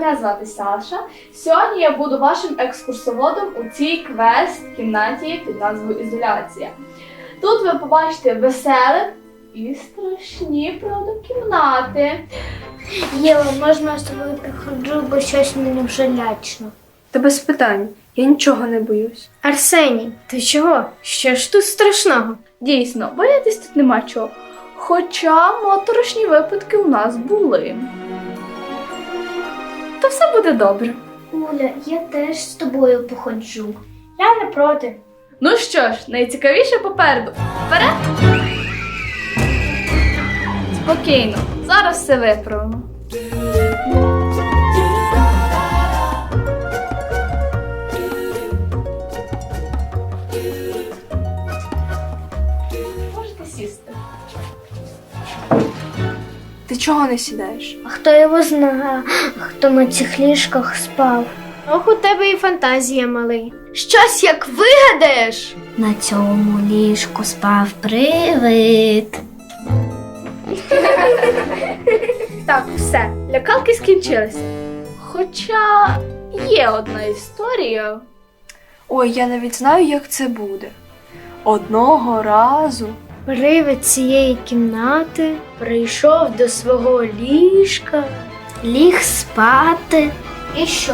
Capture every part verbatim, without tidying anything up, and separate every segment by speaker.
Speaker 1: мене звати Саша. Сьогодні я буду вашим екскурсоводом у цій квест-кімнаті під назвою Ізоляція. Тут ви побачите веселих і страшні, правда, кімнати.
Speaker 2: Єва, можна я з тобою приходжу, бо щось мені вже лячно.
Speaker 3: Та без питань, я нічого не боюсь.
Speaker 2: Арсеній, ти чого? Що ж тут страшного?
Speaker 1: Дійсно, боятись тут нема чого. Хоча моторошні випадки у нас були. То все буде добре.
Speaker 2: Уля, я теж з тобою походжу. Я не проти.
Speaker 1: Ну що ж, найцікавіше попереду. Вперед! Спокійно, зараз все виправимо. Можете сісти.
Speaker 3: Ти чого не сідаєш?
Speaker 2: А хто його знає, хто на цих ліжках спав? Ох, у тебе і фантазія, малий. Щось як вигадаєш?
Speaker 4: На цьому ліжку спав привид.
Speaker 1: Так, все, лякалки скінчилися. Хоча є одна історія.
Speaker 3: Ой, я навіть знаю, як це буде. Одного разу.
Speaker 2: Привид цієї кімнати прийшов до свого ліжка,
Speaker 4: Ліг спати.
Speaker 2: і що?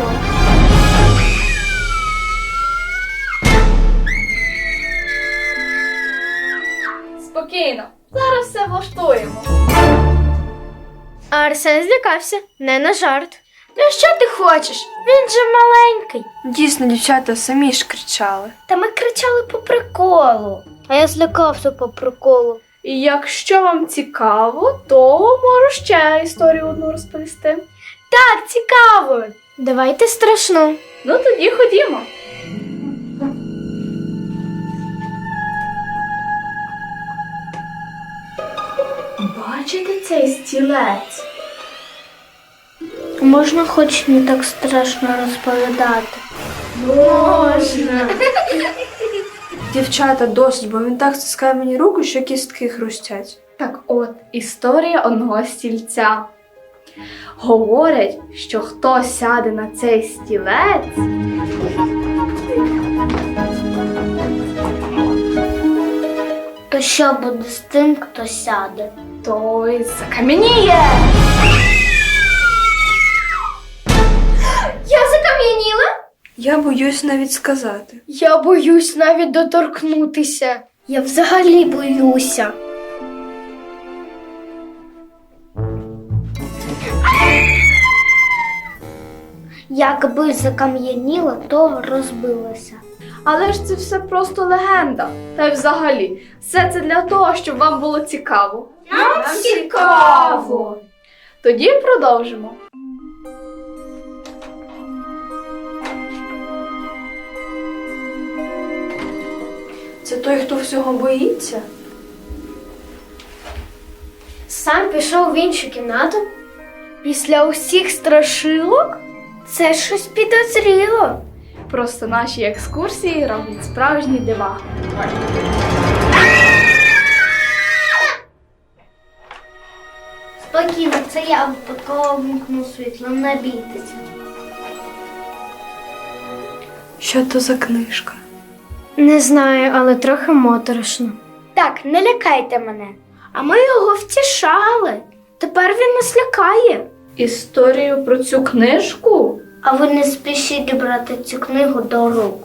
Speaker 1: Спокійно, зараз все влаштуємо.
Speaker 2: А Арсен злякався, не на жарт. Ну що ти хочеш? Він же маленький.
Speaker 3: Дійсно, дівчата самі ж кричали.
Speaker 2: Та ми кричали по приколу. А я злякався по приколу.
Speaker 1: І якщо вам цікаво, то можу ще історію одну розповісти.
Speaker 2: Так, цікаво. Давайте страшну.
Speaker 1: Ну тоді ходімо. Бачите цей стілець?
Speaker 2: Можна хоч не так страшно розповідати.
Speaker 1: Можна.
Speaker 3: Дівчата, досить, бо він так стискає мені руку, що кістки хрустять.
Speaker 1: Так от, історія одного стільця. Говорять, що хто сяде на цей стілець,
Speaker 2: То що буде з тим, хто сяде?
Speaker 1: той закам'яніє.
Speaker 2: Я закам'яніла?
Speaker 3: Я боюсь навіть сказати.
Speaker 2: Я боюсь навіть доторкнутися. Я взагалі боюся. Якби закам'яніла, то розбилася.
Speaker 1: Але ж це все просто легенда. Та й взагалі, все це для того, щоб вам було цікаво.
Speaker 2: Нам цікаво!
Speaker 1: Тоді продовжимо.
Speaker 3: Це той, хто всього боїться?
Speaker 2: Сам пішов в іншу кімнату? Після усіх страшилок? Це щось підозріло.
Speaker 1: Просто наші екскурсії роблять справжні дива.
Speaker 2: Спокійно, це я випадково вмкну світло, не бійтеся.
Speaker 3: Що то за книжка?
Speaker 2: Не знаю, але трохи моторошно. Так, не лякайте мене. А ми його втішали. Тепер він нас лякає.
Speaker 1: Історію про цю книжку?
Speaker 2: А ви не спішіть брати цю книгу до рук.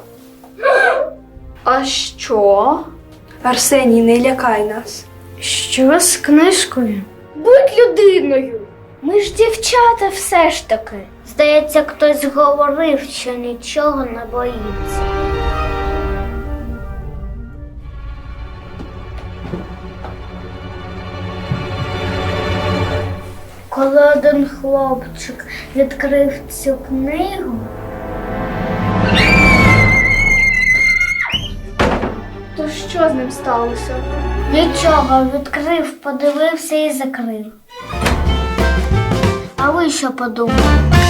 Speaker 1: А що?
Speaker 3: Арсеній, не лякай нас.
Speaker 2: Що з книжкою? Будь людиною. Ми ж дівчата все ж таки. Здається, хтось говорив, що нічого не боїться. Коли один хлопчик відкрив цю книгу,
Speaker 1: То що з ним сталося?
Speaker 2: нічого, відкрив, подивився і закрив. А ви що подумали?